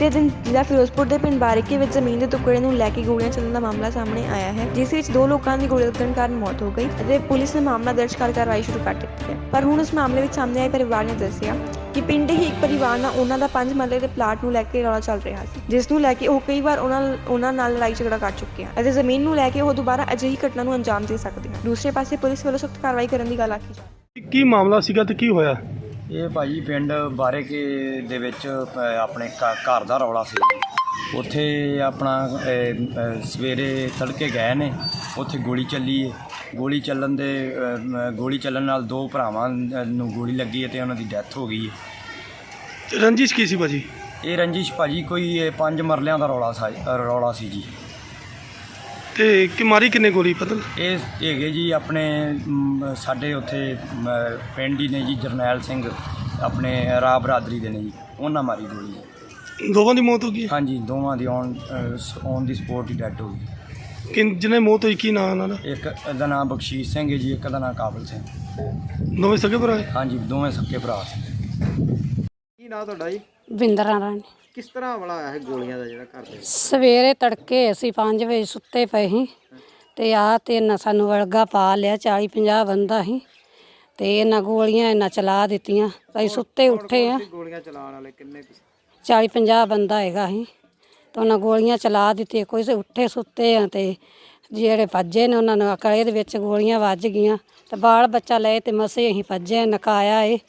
ਬੀਤੇ ਦਿਨ ਜ਼ਿਲ੍ਹਾ ਫਿਰੋਜ਼ਪੁਰ ਦੇ ਪਿੰਡ ਬਾਰੀਕੇ ਵਿੱਚ ਜ਼ਮੀਨ ਦੇ ਟੁਕੜੇ ਨੂੰ ਲੈ ਕੇ ਗੋਲੀਆਂ ਚੱਲਣ ਦਾ ਮਾਮਲਾ ਸਾਹਮਣੇ ਆਇਆ ਹੈ, ਜਿਸ ਵਿੱਚ 2 ਲੋਕਾਂ ਦੀ ਗੋਲੀ ਲੱਗਣ ਕਾਰਨ ਮੌਤ ਹੋ ਗਈ ਅਤੇ ਪੁਲਿਸ ਨੇ ਮਾਮਲਾ ਦਰਜ ਕਰ ਕਾਰਵਾਈ ਸ਼ੁਰੂ ਕਰ ਦਿੱਤੀ ਹੈ। ਪਰ ਹੁਣ ਇਸ ਮਾਮਲੇ ਵਿੱਚ ਸਾਹਮਣੇ ਆਏ ਪਰਿਵਾਰ ਨੇ ਦੱਸਿਆ ਕਿ ਪਿੰਡ ਹੀ ਇੱਕ ਪਰਿਵਾਰ ਨਾਲ ਉਹਨਾਂ ਦਾ 5 ਮਰਲੇ ਦੇ ਪਲਾਟ ਨੂੰ ਲੈ ਕੇ ਰੌਲਾ ਚੱਲ ਰਿਹਾ ਸੀ, ਜਿਸ ਨੂੰ ਲੈ ਕੇ ਉਹ ਕਈ ਵਾਰ ਉਹਨਾਂ ਨਾਲ ਲੜਾਈ ਝਗੜਾ ਕਰ ਚੁੱਕੇ ਹਨ ਅਤੇ ਜ਼ਮੀਨ ਨੂੰ ਲੈ ਕੇ ਉਹ ਦੁਬਾਰਾ ਅਜਿਹੀ ਘਟਨਾ ਨੂੰ ਅੰਜਾਮ ਦੇ ਸਕਦੇ ਹਨ। ਦੂਸਰੇ ਪਾਸੇ ਪੁਲਿਸ ਵੱਲੋਂ ਸਖਤ ਕਾਰਵਾਈ ਕਰਨ ਦੀ ਗੱਲ ਆਖੀ ਜਾ ਰਹੀ ਹੈ। ਕੀ ਮਾਮਲਾ ਸੀਗਾ ਤੇ ਕੀ ਹੋਇਆ? ਇਹ ਭਾਜੀ ਪਿੰਡ ਬਾਰੇਕੇ ਦੇ ਵਿੱਚ ਆਪਣੇ ਘਰ ਦਾ ਰੌਲਾ ਸੀ। ਉੱਥੇ ਆਪਣਾ ਸਵੇਰੇ ਤੜਕੇ ਗਏ ਨੇ, ਉੱਥੇ ਗੋਲੀ ਚੱਲੀ ਹੈ। ਗੋਲੀ ਚੱਲਣ ਨਾਲ 2 ਭਰਾਵਾਂ ਨੂੰ ਗੋਲੀ ਲੱਗੀ ਹੈ ਤੇ ਉਹਨਾਂ ਦੀ ਡੈਥ ਹੋ ਗਈ ਹੈ। ਰੰਜਿਸ਼ ਕੀ ਸੀ ਭਾਜੀ? ਇਹ ਰੰਜਿਸ਼ ਭਾਜੀ ਕੋਈ 5 ਮਰਲਿਆਂ ਦਾ ਰੌਲਾ ਸੀ ਜੀ। ਤੇ ਕਿ ਮਾਰੀ ਕਿੰਨੇ ਗੋਲੀ ਪਤਾ? ਇਹ ਹੈਗੇ ਜੀ ਆਪਣੇ ਸਾਡੇ ਉੱਥੇ ਪਿੰਡ ਹੀ ਨੇ ਜੀ, ਜਰਨੈਲ ਸਿੰਘ ਆਪਣੇ ਰਾਹ ਬਰਾਦਰੀ ਦੇ ਨੇ ਜੀ, ਉਹਨਾਂ ਮਾਰੀ ਗੋਲੀ ਹੈ। ਦੋਵਾਂ ਦੀ ਮੌਤ ਹੋ ਗਈ? ਹਾਂਜੀ, ਦੋਵਾਂ ਦੀ ਔਨ ਦੀ ਸਪੋਟ ਹੀ ਡੈਥ ਹੋ ਗਈ। ਕਿ ਜਿਹਨੇ ਮੌਤ ਹੋਈ ਕੀ ਨਾਂ ਉਹਨਾਂ ਦਾ? ਇੱਕ ਦਾ ਨਾਮ ਬਖਸ਼ੀਸ਼ ਸਿੰਘ ਹੈ ਜੀ, ਇੱਕ ਦਾ ਨਾਮ ਕਾਬਲ ਸਿੰਘ। ਦੋਵੇਂ ਸਕੇ ਭਰਾ? ਹਾਂਜੀ, ਦੋਵੇਂ ਸਕੇ ਭਰਾ ਸੀ। ਕੀ ਨਾਂ ਤੁਹਾਡਾ ਜੀ? ਬਿੰਦਰਾ ਰਾਣੀ। ਕਿਸ ਤਰ੍ਹਾਂ ਹਮਲਾ ਹੋਇਆ ਹੈ ਗੋਲੀਆਂ ਦਾ ਜਿਹੜਾ ਘਰ ਦੇ? ਸਵੇਰੇ ਤੜਕੇ ਅਸੀਂ 5 ਵਜੇ ਸੁੱਤੇ ਪਏ ਸੀ ਤੇ ਤੇ ਇਹਨਾਂ ਸਾਨੂੰ ਵਲਗਾ ਪਾ ਲਿਆ। 40-50 ਬੰਦਾ ਸੀ ਤੇ ਇਹਨਾਂ ਗੋਲੀਆਂ ਇਹਨਾਂ ਚਲਾ ਦਿੱਤੀਆਂ। ਅਸੀਂ ਸੁੱਤੇ ਉੱਠੇ ਆ। ਗੋਲੀਆਂ ਚਲਾਉਣ ਵਾਲੇ ਕਿੰਨੇ? 40-50 ਬੰਦਾ ਹੈਗਾ ਸੀ ਤੇ ਉਹਨਾਂ ਗੋਲੀਆਂ ਚਲਾ ਦਿੱਤੀਆਂ। ਕੋਈ ਉੱਠੇ ਸੁੱਤੇ ਆ ਤੇ ਜਿਹੜੇ ਭੱਜੇ ਨੇ ਉਹਨਾਂ ਨੂੰ ਅਕਲੇ ਦੇ ਵਿੱਚ ਗੋਲੀਆਂ ਵੱਜ ਗਈਆਂ ਤੇ ਬਾਲ ਬੱਚਾ ਲਏ ਤੇ ਮਸੇ ਅਸੀਂ ਭੱਜੇ, ਨਕਾਇਆ ਇਹ।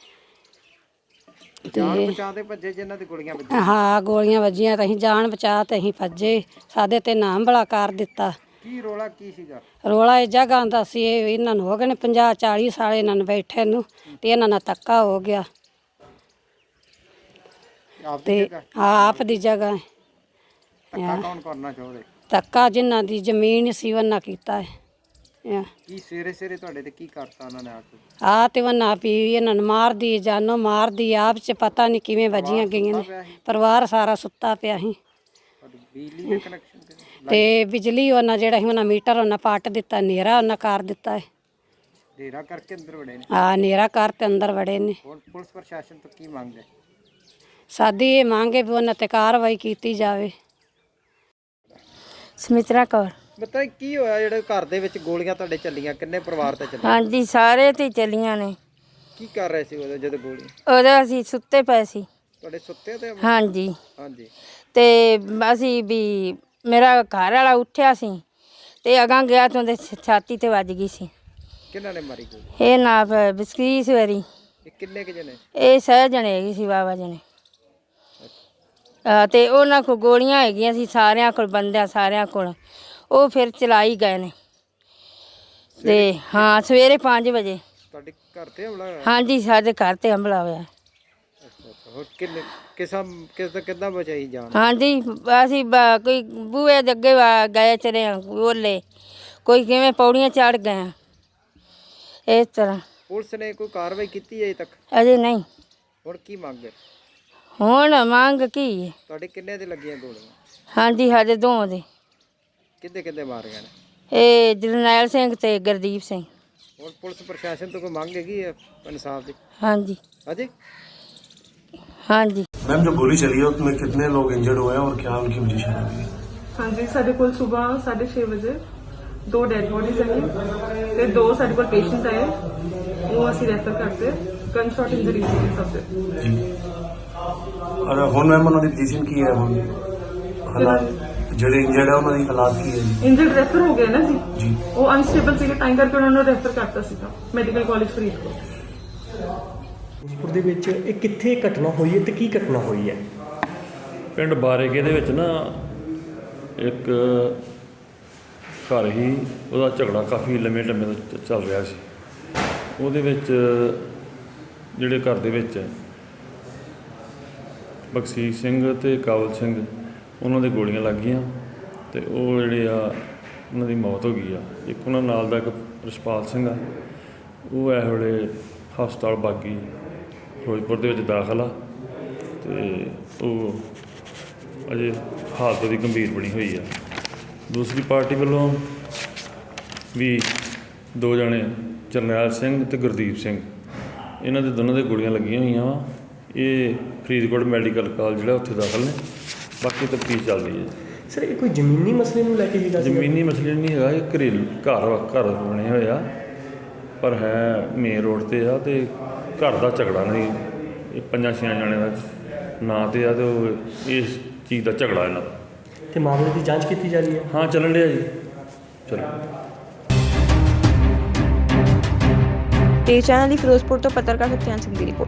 ਜਾਨ ਬਚਾ ਤੇ ਭੱਜੇ ਜਿਨ੍ਹਾਂ ਦੀ ਗੋਲੀਆਂ ਵੱਜੀਆਂ? ਹਾਂ, ਗੋਲੀਆਂ ਵੱਜੀਆਂ ਤਾਂ ਅਸੀਂ ਜਾਨ ਬਚਾ ਤੇ ਅਸੀਂ ਭੱਜੇ। ਸਾਡੇ ਤੇ ਨਾਮ ਬੜਾ ਕਰ ਦਿੱਤਾ। ਕੀ ਰੋਲਾ ਕੀ ਸੀਗਾ? ਰੋਲਾ ਇਹ ਜਗ੍ਹਾ ਦਾ ਸੀ। ਇਹਨਾਂ ਨੂੰ ਹੋ ਗਏ ਨੇ 50-40 ਸਾਲ ਇਹਨਾਂ ਨੂੰ ਬੈਠੇ ਨੂੰ ਤੇ ਇਹਨਾਂ ਨਾਲ ਧੱਕਾ ਹੋ ਗਿਆ ਤੇ ਆਪ ਦੀ ਜਗ੍ਹਾ ਧੱਕਾ ਕੌਣ ਕਰਨਾ ਚਾਹੁੰਦੇ? ਧੱਕਾ ਜਿਨ੍ਹਾਂ ਦੀ ਜ਼ਮੀਨ ਸੀ ਉਹਨਾਂ ਕੀਤਾ ਹੈ। ਕੀ ਸਵੇਰੇ ਤੁਹਾਡੇ ਤੇ ਕੀ ਕਰਤਾ ਉਹਨਾਂ ਨੇ? ਤੇ ਉਹਨਾਂ ਵੀ ਇਹਨਾਂ ਨੂੰ ਮਾਰਦੀ, ਜਾਨੋਂ ਮਾਰਦੀ। ਆਪ 'ਚ ਪਤਾ ਨਹੀਂ ਕਿਵੇਂ ਵੱਜੀਆਂ ਗਈਆਂ ਨੇ। ਪਰਿਵਾਰ ਸਾਰਾ ਸੁੱਤਾ ਪਿਆ ਸੀ ਬਿਜਲੀ ਦੇ ਕਨੈਕਸ਼ਨ ਤੇ ਬਿਜਲੀ ਉਹਨਾਂ ਜਿਹੜਾ ਸੀ ਉਹਨਾਂ ਮੀਟਰ ਉਹਨਾਂ ਪੱਟ ਦਿੱਤਾ, ਹਨੇਰਾ ਉਹਨਾਂ ਕਰ ਦਿੱਤਾ ਹੈ। ਡੇਰਾ ਕਰਕੇ ਅੰਦਰ ਵੜੇ ਨੇ? ਹਨੇਰਾ ਕਰ ਤੇ ਅੰਦਰ ਵੜੇ ਨੇ। ਹੁਣ ਪੁਲਿਸ ਪ੍ਰਸ਼ਾਸਨ ਤੋਂ ਕੀ ਮੰਗ ਹੈ? ਸਾਡੀ ਇਹ ਮੰਗ ਹੈ ਵੀ ਉਹਨਾਂ ਤੇ ਕਾਰਵਾਈ ਕੀਤੀ ਜਾਵੇ। ਸਮਿਤਰਾ ਕੌਰ। ਬਤਾ ਕੀ ਹੋਇਆ ਜਿਹੜੇ ਘਰ ਦੇ ਵਿੱਚ ਗੋਲੀਆਂ ਤੁਹਾਡੇ ਚੱਲੀਆਂ? ਕਿੰਨੇ ਪਰਿਵਾਰ ਤੇ ਚੱਲੀਆਂ? ਹਾਂਜੀ, ਸਾਰੇ ਤੇ ਚੱਲੀਆਂ ਨੇ। ਕੀ ਕਰ ਰਹੇ ਸੀ ਉਦੋਂ ਜਦੋਂ ਗੋਲੀ? ਉਦੋਂ ਅਸੀਂ ਸੁੱਤੇ ਪਏ ਸੀ। ਤੁਹਾਡੇ ਸੁੱਤੇ ਤੇ? ਹਾਂਜੀ ਹਾਂਜੀ। ਤੇ ਅਸੀਂ ਵੀ ਮੇਰਾ ਘਰ ਵਾਲਾ ਉੱਠਿਆ ਸੀ ਤੇ ਅਗਾਂ ਗਿਆ ਤਾਂ ਉਹਦੇ ਛਾਤੀ ਤੇ ਵੱਜ ਗਈ ਸੀ। ਕਿਹਨਾਂ ਨੇ ਮਾਰੀ ਗੋਲੀ? ਇਹ ਨਾ ਬਿਸਕੀਸ ਵਾਰੀ। ਇਹ ਕਿੰਨੇ ਕੁ ਜਣੇ? ਇਹ 6 ਜਣੇ ਹੈਗੇ ਸੀ, ਬਾਬਾ ਜਣੇ। ਤੇ ਉਹਨਾਂ ਕੋਲ ਗੋਲੀਆਂ ਹੈਗੀਆਂ ਸੀ, ਸਾਰਿਆਂ ਕੋਲ ਬੰਦਿਆਂ ਸਾਰਿਆਂ ਕੋਲ। ਉਹ ਫਿਰ ਚਲਾਈ ਗਏ ਨੇ ਤੇ ਹਾਂ, ਸਵੇਰੇ 5 ਵਜੇ। ਤੁਹਾਡੇ ਘਰ ਤੇ ਹਮਲਾ ਹੋਇਆ? ਹਾਂਜੀ, ਸਾਡੇ ਘਰ ਤੇ ਹਮਲਾ ਹੋਇਆ। ਹੋਰ ਕਿੰਨੇ ਕਿੱਦਾਂ ਬਚਾਈ ਜਾਨ? ਹਾਂਜੀ, ਅਸੀਂ ਕੋਈ ਬੂਹੇ ਦੇ ਅੱਗੇ ਗਏ ਚਲੇ ਬੋਲੇ, ਕੋਈ ਕਿਵੇਂ ਪੌੜੀਆਂ ਚੜ੍ਹ ਗਏ, ਇਸ ਤਰ੍ਹਾਂ। ਪੁਲਿਸ ਨੇ ਕੋਈ ਕਾਰਵਾਈ ਕੀਤੀ ਅਜੇ ਤੱਕ? ਅਜੇ ਨਹੀਂ। ਹੁਣ ਕੀ ਮੰਗ ਹੈ? ਹੁਣ ਮੰਗ ਕੀ ਹੈ? ਤੁਹਾਡੇ ਕਿੰਨੇ ਦੇ ਲੱਗੀਆਂ ਗੋਲੀਆਂ? ਹਾਂਜੀ, ਸਾਡੇ 2 ਦੇ। ਕਿੱਦੇ ਮਾਰੀਆਂ ਨੇ? ਇਹ ਜਰਨੈਲ ਸਿੰਘ ਤੇ ਗੁਰਦੀਪ ਸਿੰਘ। ਹੁਣ ਪੁਲਿਸ ਪ੍ਰਸ਼ਾਸਨ ਤੋਂ ਕੋਈ ਮੰਗ ਹੈਗੀ ਹੈ ਇਨਸਾਫ ਦੀ? ਹਾਂਜੀ ਹਾਂਜੀ ਹਾਂਜੀ। मैम, जो गोली चली है उसमें कितने लोग इंजर्ड हुए हैं और क्या उनकी पोजीशन है? हाँ जी, साढ़े को सुबह 6:30 बजे 2 डेड बॉडीज है ते 2 साढ़े को पेशेंट आए, वो असं रैफर करते गन शॉट इंजरी सी सबसे जी। और हुन मैम उन्होंने पोजीशन की है? हुन हालात ਜਿਹੜੇ ਇੰਜਰਡ ਹੈ ਉਹਨਾਂ ਦੀ ਹਾਲਾਤ ਕੀ ਹੈ ਜੀ? इंजर्ड रैफर हो गया ना जी। ਜੀ। वो अनस्टेबल ਸੀ टाइम करके उन्होंने रैफर करता सीगा मेडिकल कॉलेज फरीदकोट। ਫਿਰੋਜ਼ਪੁਰ ਦੇ ਵਿੱਚ ਇਹ ਕਿੱਥੇ ਘਟਨਾ ਹੋਈ ਹੈ ਤੇ ਕੀ ਘਟਨਾ ਹੋਈ ਹੈ? ਪਿੰਡ ਬਾਰੇਕੇ ਦੇ ਵਿੱਚ ਨਾ ਇੱਕ ਘਰ ਹੀ, ਉਹਦਾ ਝਗੜਾ ਕਾਫੀ ਲੰਮੇ ਤੋਂ ਚੱਲ ਰਿਹਾ ਸੀ। ਉਹਦੇ ਵਿੱਚ ਜਿਹੜੇ ਘਰ ਦੇ ਵਿੱਚ ਬਖਸ਼ੀਸ਼ ਸਿੰਘ ਤੇ ਕਾਬਲ ਸਿੰਘ, ਉਹਨਾਂ ਦੇ ਗੋਲੀਆਂ ਲੱਗ ਗਈਆਂ ਤੇ ਉਹ ਜਿਹੜੇ ਆ ਉਹਨਾਂ ਦੀ ਮੌਤ ਹੋ ਗਈ ਆ। ਇੱਕ ਉਹਨਾਂ ਨਾਲ ਦਾ ਇੱਕ ਰਛਪਾਲ ਸਿੰਘ ਆ, ਉਹ ਇਸ ਵੇਲੇ ਹਸਪਤਾਲ ਬਾਗੀ ਫਿਰੋਜ਼ਪੁਰ ਦੇ ਵਿੱਚ ਦਾਖਲ ਆ ਤੇ ਉਹ ਅਜੇ ਹਾਲਤ ਉਹਦੀ ਗੰਭੀਰ ਬਣੀ ਹੋਈ ਆ। ਦੂਸਰੀ ਪਾਰਟੀ ਵੱਲੋਂ ਵੀ 2 ਜਣੇ, ਜਰਨੈਲ ਸਿੰਘ ਤੇ ਗੁਰਦੀਪ ਸਿੰਘ, ਇਹਨਾਂ ਦੇ ਦੋਨਾਂ ਦੇ ਗੋਲੀਆਂ ਲੱਗੀਆਂ ਹੋਈਆਂ ਵਾ। ਇਹ ਫਰੀਦਕੋਟ ਮੈਡੀਕਲ ਕਾਲਜ ਜਿਹੜਾ ਉੱਥੇ ਦਾਖਲ ਨੇ ਬਾਕੀ ਤਫਤੀਸ਼ ਚੱਲਦੀ ਹੈ। ਸਰ ਇਹ ਕੋਈ ਜ਼ਮੀਨੀ ਮਸਲੇ ਨੂੰ ਲੈ ਕੇ ਹੀ ਜ਼ਮੀਨੀ ਮਸਲੇ ਨਹੀਂ ਹੈਗਾ, ਇਹ ਘਰੇਲੂ ਘਰ ਬਣੇ ਹੋਏ ਆ, ਪਰ ਹੈ ਮੇਨ ਰੋਡ ਤੇ ਆ, ਤੇ ਘਰ ਦਾ ਝਗੜਾ ਨਹੀਂ, ਇਹ 5-6 ਜਣਿਆਂ ਦਾ ਨਾਂ ਤੇ ਆ, ਤੇ ਉਹ ਇਸ ਚੀਜ਼ ਦਾ ਝਗੜਾ ਇਹਨਾਂ ਦਾ। ਤੇ ਮਾਮਲੇ ਦੀ ਜਾਂਚ ਕੀਤੀ ਜਾ ਰਹੀ ਹੈ? ਹਾਂ ਚੱਲਣ ਡਿਆ ਜੀ, ਚਲੋ। ਤੇ ਚੈਨਲ ਦੀ ਫਿਰੋਜ਼ਪੁਰ ਤੋਂ ਪੱਤਰਕਾਰ ਸਤਿਆਨ ਸਿੰਘ ਦੀ ਰਿਪੋਰਟ।